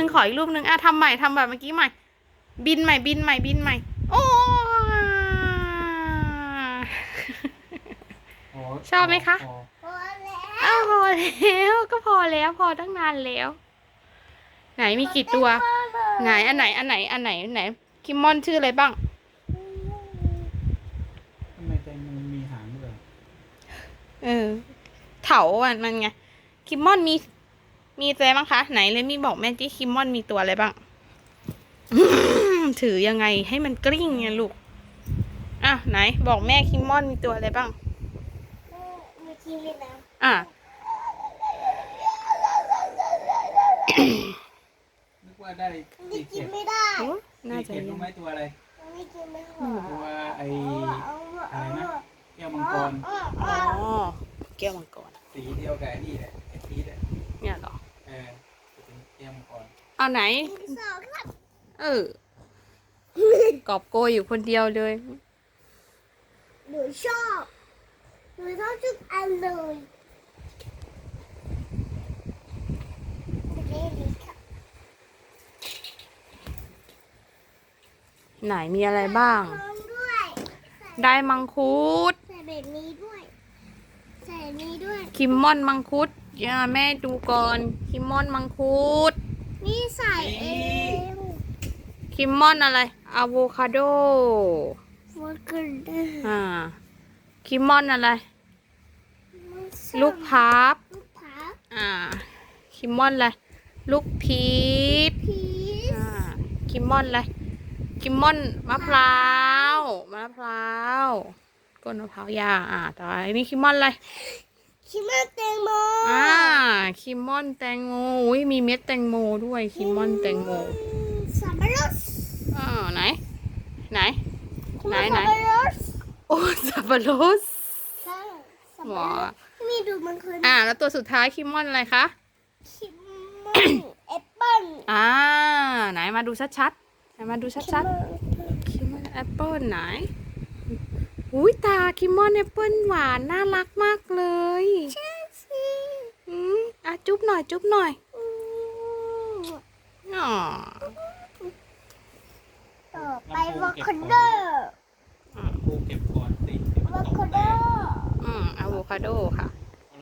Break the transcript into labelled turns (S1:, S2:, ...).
S1: ขออีกรูปหนึ่งอ่ะทำใหม่ทำแบบเมื่อกี้ใหม่บินใหม่บินใหม่บินใหม่โอ้ชอบไหมคะ
S2: พอแล้ว
S1: อ้าวพอแล้วก็พอแล้วพอตั้งนานแล้วไหนมีกี่ตัวไหนอันไหนคิมมอนชื่ออะไรบ้าง
S3: ทำไมแตงโมมีหางด้วย
S1: เถาอ่ะมันไงคิมมอนมีอะไรบ้างคะไหนเลยมีบอกแม่ที่คิมมอนมีตัวอะไรบ้างถือยังไงให้มันกลิ้งไงลูกอ่ะไหนบอกแม่คิมมอนมีตัวอะไรบ้าง
S2: มีทีวีนะ
S1: อ่ะ
S3: นึกว่าได้
S2: นี่กิน
S3: 4
S2: ไม่ได้
S1: น่าจะ
S3: เข็ม
S1: ยั
S3: รู้
S1: ง
S3: ไหมตัวอะไร
S2: ไม่กินไม่หอ
S3: ตัวอะไรนะแก้วมังกร
S1: อ๋อแก้วมังกร
S3: สีเดียวกับนี่แหละไอ้พีชอ่ะ
S1: เนี่ยเหรอ
S3: จะเป็นแก้วมังกร
S1: เอาไหน
S2: สองครับ
S1: กอบโกยอยู่คนเดียวเลย
S2: หนูชอบทุกอันเลย
S1: ไหนมีอะไรบ้าง
S2: พร้อมด้วย
S1: ได้มังคุด
S2: ใส่แบบนี้ด้วยใส่นี้ด้วย
S1: คิมมอนมังคุดอย่าแม่ดูก่อนคิมมอนมังคุด
S2: นี่ใส่เอง
S1: คิมมอนอะไรอะโวคาโด
S2: โฟกัส
S1: คิมมอนอะไร ลูกพับ
S2: ลูกพับ
S1: คิมมอนอะไรลูกพีช
S2: พีช
S1: คิมมอนอะไรคิมมอนมะพร้าวก้นมะพร้าวยาต่อไปนี่คิมมอนอะไร
S2: คิมมาแตงโม
S1: คิมมอนแตงโมอุ้ยมีเม็ดแตงโมด้วยคิมมอนแตงโม
S2: สับปะรด
S1: ไหน
S2: สับปะรด
S1: โอ้สับปะรด
S2: ใช่สับ
S1: ห
S2: ปะ
S1: ว
S2: รดมีดูมันเคย
S1: แล้วตัวสุดท้ายคิมมอนอะไรคะ
S2: คิมมอนแอปเปิ้ล
S1: ไหนมาดูชัดๆมาดูชัดๆคิมมอนแอปเปิ้ลไหนอุ้ยตาคิมมอนแอปเปิ้ลหวานน่ารักมากเลย
S2: ใช่สิ
S1: จุ๊บหน่อยอ๋อ
S2: ต่อไปวอคาโด
S3: ปูเก็บก่อนสิ
S2: วอคาโด
S1: อะโวคาโดค่ะ